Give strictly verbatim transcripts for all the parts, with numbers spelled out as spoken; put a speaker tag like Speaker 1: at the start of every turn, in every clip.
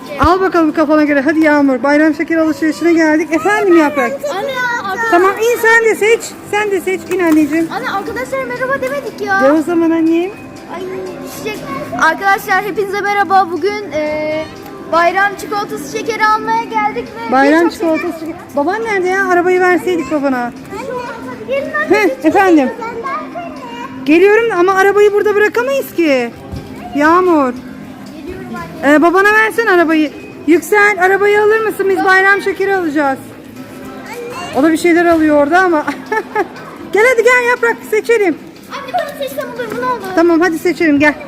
Speaker 1: Al bakalım kafana göre. Hadi Yağmur. Bayram şekeri alışverişine geldik. Efendim Yaprak.
Speaker 2: Anne arkadaşlar.
Speaker 1: Tamam in sen de seç. Sen de seç. İn anneciğim.
Speaker 2: Anne arkadaşlar merhaba demedik ya.
Speaker 1: De o zaman annem.
Speaker 2: Ay düşecek. Arkadaşlar hepinize merhaba. Bugün e, bayram çikolatası şekeri almaya geldik ve
Speaker 1: Bayram
Speaker 2: birçok
Speaker 1: çikolatası. şeker- Baban nerede ya? Arabayı verseydik babana.
Speaker 2: şeker- Gelin anne.
Speaker 1: Heh,
Speaker 2: lütfen.
Speaker 1: efendim.
Speaker 2: Ben de arkadaşlar.
Speaker 1: Geliyorum ama arabayı burada bırakamayız ki. Yağmur.
Speaker 2: Geliyorum anne.
Speaker 1: Ee, babana versene arabayı. Yüksel arabayı alır mısın? Biz bayram şekeri alacağız. O da bir şeyler alıyor orada ama. Gel hadi gel Yaprak seçelim.
Speaker 2: Anne ben seçsem olur mu ne olur?
Speaker 1: Tamam hadi seçelim gel.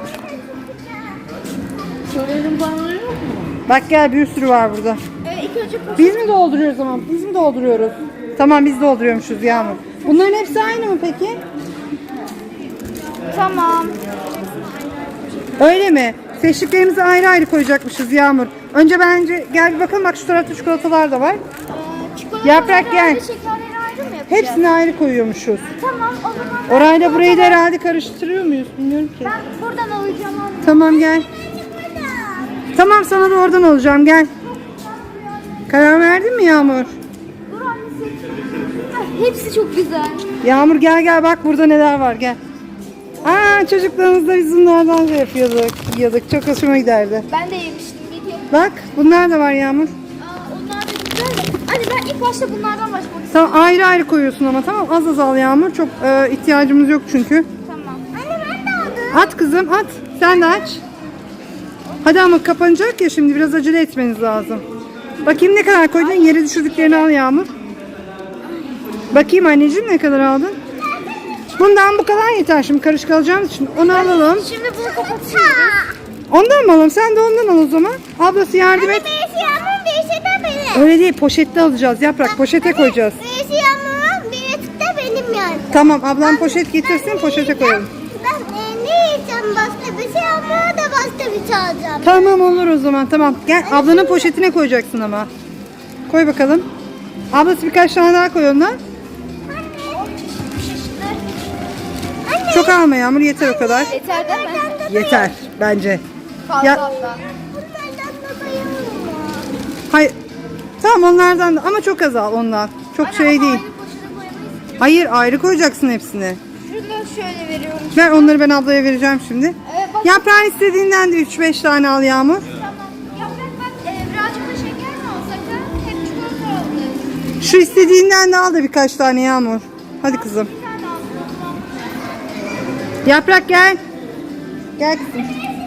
Speaker 2: Söyledim bana yok mu?
Speaker 1: Bak gel bir sürü var burada.
Speaker 2: Ee, ilk önce poşet.
Speaker 1: Biz mi dolduruyoruz ama? Biz mi dolduruyoruz? Tamam biz dolduruyormuşuz Yağmur. Bunların hepsi aynı mı peki?
Speaker 2: Tamam.
Speaker 1: Öyle mi? Seçtiklerimizi ayrı ayrı koyacakmışız Yağmur. Önce bence gel bir bakalım bak şu tarafta çikolatalar da var.
Speaker 2: Ee, çikolataları
Speaker 1: Yaprak, gel.
Speaker 2: ayrı, şekerleri ayrı mı yapacağız?
Speaker 1: Hepsini ayrı koyuyormuşuz.
Speaker 2: Tamam o zaman. ben
Speaker 1: Orayla burayı da
Speaker 2: çikolataları-
Speaker 1: herhalde karıştırıyor muyuz? Bilmiyorum ki.
Speaker 2: Ben buradan alacağım anne.
Speaker 1: Tamam gel. Tamam sana da oradan alacağım gel. Karar verdin mi Yağmur?
Speaker 2: Dur anne seç. Ah, hepsi çok güzel.
Speaker 1: Yağmur gel gel bak burada neler var gel. Aa çocuklarımızla biz bunlardan şey yapıyorduk. Yiyorduk. Çok hoşuma giderdi.
Speaker 2: Ben de yemiştim bir kere.
Speaker 1: Bak bunlar da var Yağmur.
Speaker 2: Aa, onlar da güzel de. Anne ben ilk başta bunlardan başlamak istiyorum.
Speaker 1: Tamam ayrı ayrı koyuyorsun ama tamam az az al Yağmur. Çok e, ihtiyacımız yok çünkü.
Speaker 2: Tamam. Anne ben de aldım.
Speaker 1: At kızım at. Sen de aç. Hadi ama kapanacak ya şimdi biraz acele etmeniz lazım. Bakayım ne kadar koydun? Yere düşürdüklerini al Yağmur. Bakayım anneciğim ne kadar aldın? Bundan bu kadar yeter şimdi karışık alacağımız için. Onu alalım.
Speaker 2: Şimdi bunu kapatıyoruz.
Speaker 1: Ondan mı alalım? Sen de ondan al o zaman. Ablası yardım et.
Speaker 2: Birisi yağmurun birisi de benim.
Speaker 1: Öyle değil poşette alacağız Yaprak. Poşete koyacağız.
Speaker 2: Birisi yağmurun birisi de benim yani.
Speaker 1: Tamam ablam poşet getirsin poşete koyalım.
Speaker 2: Ben e, ne yiyeceğim başka bir şey yağmura da başka bir şey alacağım.
Speaker 1: Tamam olur o zaman tamam. Gel ablanın poşetine koyacaksın ama. Koy bakalım. Ablası birkaç tane daha koy ondan.
Speaker 2: Anne.
Speaker 1: Çok alma Yağmur yeter o kadar.
Speaker 2: Yeter değil mi?
Speaker 1: Yeter bence.
Speaker 2: Fazla
Speaker 1: Ya-
Speaker 2: fazla. Bunlardan da bayılır mı?
Speaker 1: Hayır. Tamam onlardan da ama çok az al ondan. Çok şey değil.
Speaker 2: Aynı poşete koyamayız.
Speaker 1: Hayır ayrı koyacaksın hepsini.
Speaker 2: Şunu şöyle veriyorum.
Speaker 1: Ver onları ben ablaya vereceğim şimdi.
Speaker 2: Evet bak.
Speaker 1: Yaprağın istediğinden de üç beş tane al Yağmur.
Speaker 2: Tamam. Yaprak bak e, birazcık da şeker mi alsak ha? Hep çikolata aldık.
Speaker 1: Şu istediğinden de al da birkaç tane Yağmur. Hadi kızım.
Speaker 2: Bir tane aldım.
Speaker 1: Yaprak gel. Gel kızım.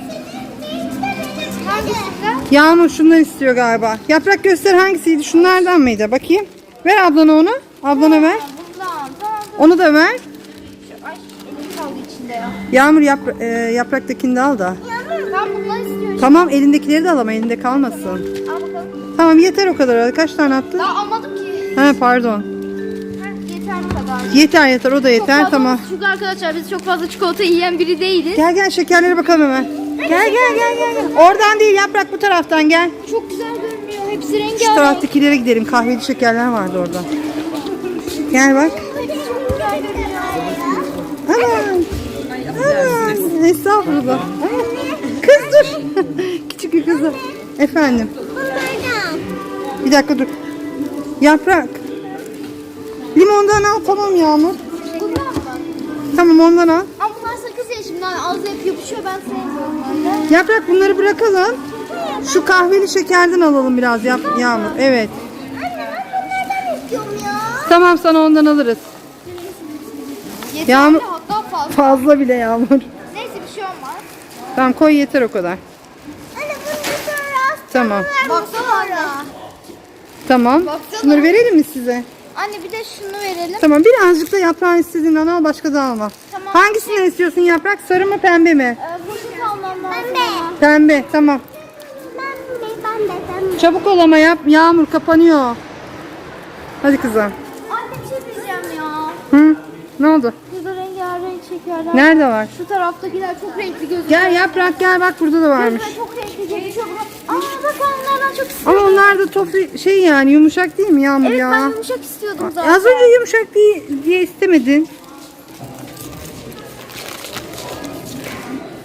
Speaker 2: Hangisinden?
Speaker 1: Yağmur şundan istiyor galiba. Yaprak göster hangisiydi? Şunlardan mıydı? Bakayım. Ver ablana onu. Ablana ver.
Speaker 2: Bundan. Tamam.
Speaker 1: Onu da ver.
Speaker 2: Şu, ay elim kaldı içinde ya.
Speaker 1: Yağmur yapra e, yapraktakini de al da.
Speaker 2: Yağmur ben bundan istiyorum.
Speaker 1: Tamam elindekileri de al ama elinde kalmasın.
Speaker 2: Al bakalım.
Speaker 1: Tamam yeter o kadar. Kaç tane attın?
Speaker 2: Daha almadım ki.
Speaker 1: He pardon.
Speaker 2: Heh, yeter bu kadar.
Speaker 1: Yeter yeter o da
Speaker 2: Çok
Speaker 1: yeter
Speaker 2: fazla
Speaker 1: tamam.
Speaker 2: olsun. Çünkü arkadaşlar biz çok fazla çikolata yiyen biri değiliz.
Speaker 1: Gel gel şekerlere bakalım hemen. Gel gel gel gel. gel. Oradan değil Yaprak bu taraftan gel.
Speaker 2: Çok güzel görünüyor. Hepsi rengarenk.
Speaker 1: Şu taraftakilere gidelim. Kahveli şekerler vardı orada. Gel bak.
Speaker 2: Hepsi çok güzel görünüyor.
Speaker 1: Aman. Aman. Estağfurullah. Aman. Kız dur. Küçük bir kızı. Efendim.
Speaker 2: Bunlardan.
Speaker 1: Bir dakika dur. Yaprak. Limondan al tamam Yağmur.
Speaker 2: Bundan mı?
Speaker 1: Tamam ondan al.
Speaker 2: Ama bunlar sakız ya şimdi ağzı hep yapışıyor. Ben sevmiyorum öyle.
Speaker 1: Yaprak bunları bırakalım. Şu kahveli şekerden alalım biraz yap Yağmur. Evet.
Speaker 2: Anne ben bunlardan istiyorum ya.
Speaker 1: Tamam sana ondan alırız.
Speaker 2: Yeterli
Speaker 1: Yağmur-
Speaker 2: hatta fazla.
Speaker 1: Fazla bile Yağmur.
Speaker 2: Neyse bir şey olmaz.
Speaker 1: Tamam koy yeter o kadar.
Speaker 2: Anne bunu sonra
Speaker 1: Tamam.
Speaker 2: baksana anne.
Speaker 1: Tamam.
Speaker 2: Baksana.
Speaker 1: Şunları verelim mi size?
Speaker 2: Anne bir de şunu verelim.
Speaker 1: Tamam birazcık da yaprağın istediğinden al başka da alma.
Speaker 2: Tamam.
Speaker 1: Hangisinden istiyorsun yaprak? Sarı mı pembe mi?
Speaker 2: Ee, poşet almam lazım. Pembe.
Speaker 1: Pembe tamam.
Speaker 2: Pembe, pembe, pembe.
Speaker 1: Çabuk ol ama yap. Yağmur kapanıyor. Hadi kızım.
Speaker 2: Anne bir şey diyeceğim ya.
Speaker 1: Hı? Ne oldu?
Speaker 2: Burada rengarenk şekerler.
Speaker 1: Nerede var?
Speaker 2: Şu taraftakiler çok renkli gözüküyor.
Speaker 1: Gel yaprak gel bak burada da varmış.
Speaker 2: Gözüme çok renkli gözüküyor. Aa bak onlardan çok istiyorum.
Speaker 1: Ama onlar da tofi şey yani yumuşak değil mi Yağmur
Speaker 2: Evet
Speaker 1: ya?
Speaker 2: ben yumuşak istiyordum zaten.
Speaker 1: Az önce yumuşak diye, diye istemedin.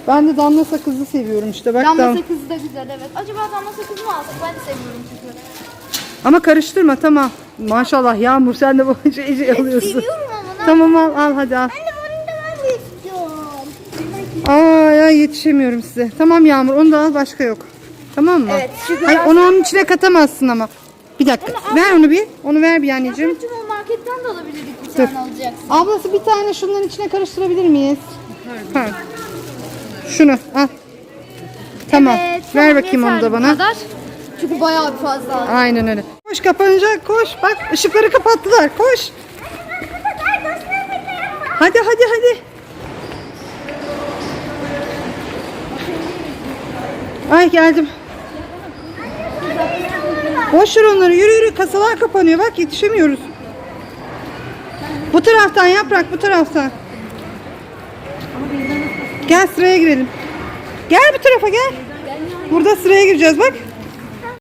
Speaker 1: Ben de damla sakızlı seviyorum işte. Bak
Speaker 2: Damla
Speaker 1: dam-
Speaker 2: sakızı da güzel evet. Acaba damla sakızı mı alsak? Ben de seviyorum çünkü.
Speaker 1: Ama karıştırma tamam. Maşallah Yağmur sen de bu şey, şey alıyorsun.
Speaker 2: Seviyorum ama.
Speaker 1: Tamam al al hadi al.
Speaker 2: Anne bunu da ben de istiyorum.
Speaker 1: Aa ya yetişemiyorum size. Tamam Yağmur onu da al başka yok. Tamam mı?
Speaker 2: Evet, çünkü
Speaker 1: Hayır
Speaker 2: ben-
Speaker 1: onu onun içine katamazsın ama. Bir dakika. Ver onu bir. Onu ver bir anneciğim.
Speaker 2: Anneciğim o marketten de alabilirdik bir
Speaker 1: Dur.
Speaker 2: tane alacaksın.
Speaker 1: Ablası bir tane şunların içine karıştırabilir miyiz? Ha. Şunu al. Tamam.
Speaker 2: Evet,
Speaker 1: ver
Speaker 2: tamam,
Speaker 1: bakayım onu
Speaker 2: yeterli
Speaker 1: da
Speaker 2: bu
Speaker 1: bana.
Speaker 2: kadar. Çünkü bayağı bir fazla aldım.
Speaker 1: Aynen öyle. Koş kapanacak koş. Bak ışıkları kapattılar. Koş. Hadi hadi hadi. Ay geldim. Boş ver onları. Yürü yürü. Kasalar kapanıyor. Bak yetişemiyoruz. Bu taraftan Yaprak bu taraftan. Gel sıraya girelim. Gel bu tarafa gel. Burada sıraya gireceğiz bak.